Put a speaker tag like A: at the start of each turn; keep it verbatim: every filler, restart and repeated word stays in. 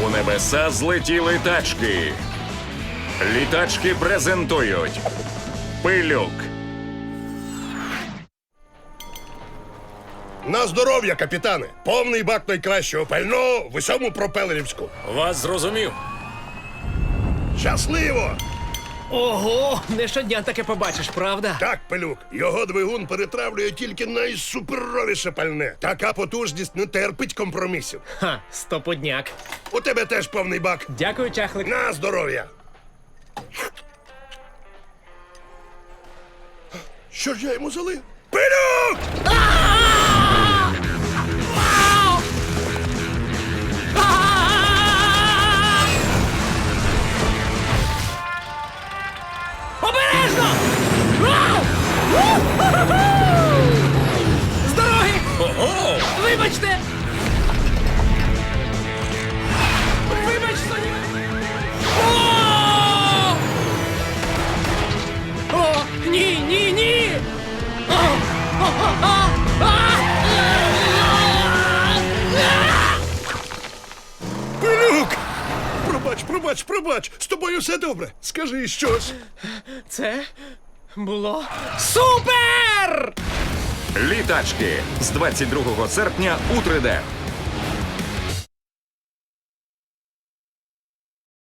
A: У небеса злетіли тачки. Літачки презентують Пилюк.
B: На здоров'я, капітане! Повний бак найкращого пального в усьому пропелерівську.
C: Вас зрозумів.
B: Щасливо!
D: Ого, не щодня таке побачиш, правда?
B: Так, Пилюк, його двигун перетравлює тільки найсуперовіше пальне. Така потужність не терпить компромісів.
D: Ха, стопудняк.
B: У тебе теж повний бак.
D: Дякую, чахлик.
B: На здоров'я! Що ж я йому залив? Пилюк!
D: Обережно! Вау! У-ху-ху-ху! З дороги!
C: Ого!
D: Вибачте! Вибач, Соні! О! О, ні, ні, ні! О! О, о, о! А!
B: Пилюк! Пробач, пробач, пробач! З тобою все добре. Скажи щось.
D: Це було супер!
A: Літачки з двадцять другого серпня у три де.